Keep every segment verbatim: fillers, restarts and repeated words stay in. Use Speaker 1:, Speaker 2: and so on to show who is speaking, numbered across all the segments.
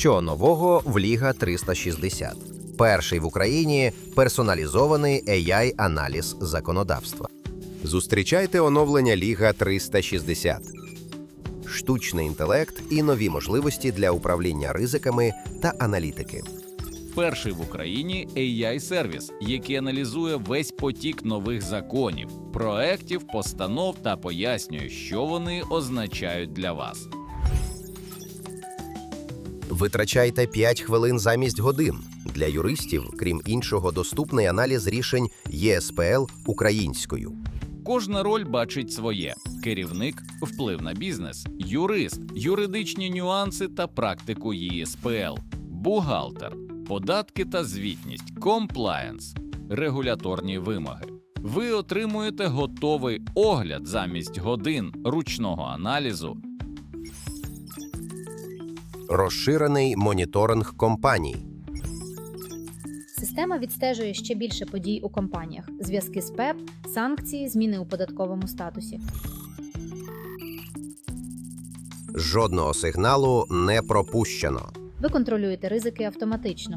Speaker 1: Що нового в Ліга триста шістдесят? Перший в Україні персоналізований ей ай-аналіз законодавства. Зустрічайте оновлення Ліга триста шістдесят. Штучний інтелект і нові можливості для управління ризиками та аналітики.
Speaker 2: Перший в Україні ей ай-сервіс, який аналізує весь потік нових законів, проєктів, постанов та пояснює, що вони означають для вас.
Speaker 1: Витрачайте п'ять хвилин замість годин. Для юристів, крім іншого, доступний аналіз рішень є ес пе ел українською.
Speaker 2: Кожна роль бачить своє: керівник – вплив на бізнес, юрист – юридичні нюанси та практику є ес пе ел, бухгалтер – податки та звітність, комплаєнс – регуляторні вимоги. Ви отримуєте готовий огляд замість годин ручного аналізу.
Speaker 1: Розширений моніторинг компаній.
Speaker 3: Система відстежує ще більше подій у компаніях: зв'язки з пеп, санкції, зміни у податковому статусі.
Speaker 1: Жодного сигналу не пропущено.
Speaker 3: Ви контролюєте ризики автоматично.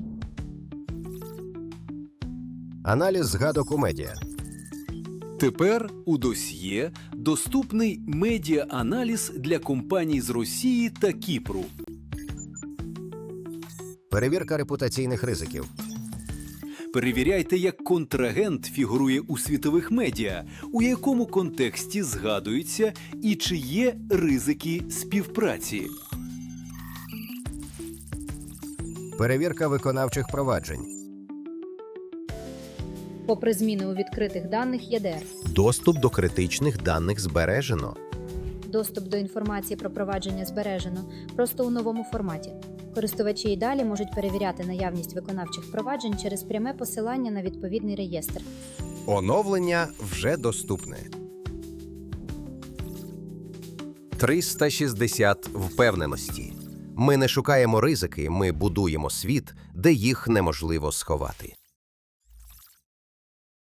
Speaker 1: Аналіз згадок у медіа.
Speaker 4: Тепер у досьє доступний медіа-аналіз для компаній з Росії та Кіпру.
Speaker 1: Перевірка репутаційних ризиків.
Speaker 4: Перевіряйте, як контрагент фігурує у світових медіа, у якому контексті згадується і чи є ризики співпраці.
Speaker 1: Перевірка виконавчих проваджень.
Speaker 3: Попри зміни у відкритих даних є де ер.
Speaker 1: Доступ до критичних даних збережено.
Speaker 3: Доступ до інформації про провадження збережено, просто у новому форматі. Користувачі й далі можуть перевіряти наявність виконавчих проваджень через пряме посилання на відповідний реєстр.
Speaker 1: Оновлення вже доступне. триста шістдесят впевненості. Ми не шукаємо ризики, ми будуємо світ, де їх неможливо сховати.